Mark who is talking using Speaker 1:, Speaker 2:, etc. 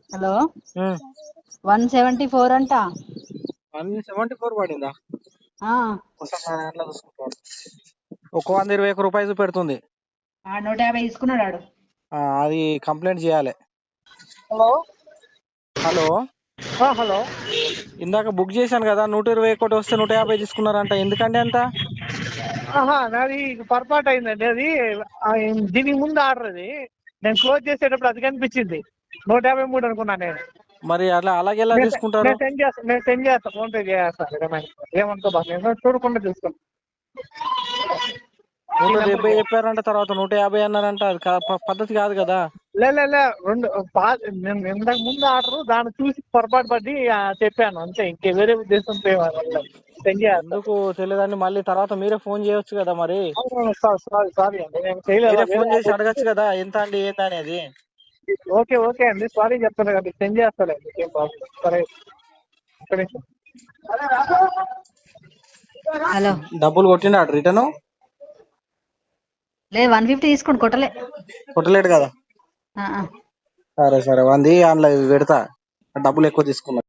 Speaker 1: Hello 174 అంట.
Speaker 2: 174 పడిందా?
Speaker 1: ఆ,
Speaker 2: ఎట్లా చూసుకుంటాడు? ఒక 120 రూపాయలు పెడుతుంది.
Speaker 1: 150 తీసుకున్నాడు ఆడు.
Speaker 2: అది కంప్లైంట్ చేయాలి.
Speaker 3: Hello
Speaker 2: hello,
Speaker 3: hello.
Speaker 2: ఇందాక బుక్ చేశాను కదా, 121 వస్తే 150 తీసుకున్నారంట. ఎందుకండి అంత?
Speaker 3: నాది పొరపాటు అయిందండి. అది దీనికి ముందు ఆర్డర్ అది నేను క్లోజ్ చేసేటప్పుడు అది కనిపించింది 153 అనుకున్నాను నేను.
Speaker 2: మరి అలాగే ఎలా తీసుకుంటారు?
Speaker 3: నేను సెండ్ చేస్తాను, ఫోన్ పే చేస్తాను. ఏమనుకో బాగా, నేను చూడకుండా చూస్తాను.
Speaker 2: 170 చెప్పారంట, తర్వాత 150 అన్నారంట. అది పద్ధతి కాదు కదా.
Speaker 3: లే నేను ఇంతకు ముందు ఆర్డర్ దాన్ని చూసి పొరపాటు పడి చెప్పాను అంతే. ఇంకే వేరే ఉద్దేశంతో సెండ్ చేస్తాను.
Speaker 2: ఎందుకు తెలియదండి? మళ్ళీ తర్వాత మీరే ఫోన్ చేయొచ్చు కదా. మరి
Speaker 3: సారీ అండి, నేను చేయలేదు.
Speaker 2: మీరే ఫోన్ చేసి అడగచ్చు కదా, ఎంత అండి ఏంటి అనేది.
Speaker 3: ఓకే అండి, సారీ చెప్తాను కదా, సెండ్ చేస్తానండి. ఏం ప్రాబ్లం. సరే, ఒక్క నిమిషం.
Speaker 1: హలో,
Speaker 2: డబ్బులు కొట్టినాడు రిటర్న్?
Speaker 1: లే 150 తీసుకోండి,
Speaker 2: కొట్టలేడు కదా.
Speaker 1: కొట్టలే.
Speaker 2: సరే 100 అందులో పెడతా, డబ్బులు ఎక్కువ తీసుకున్నా.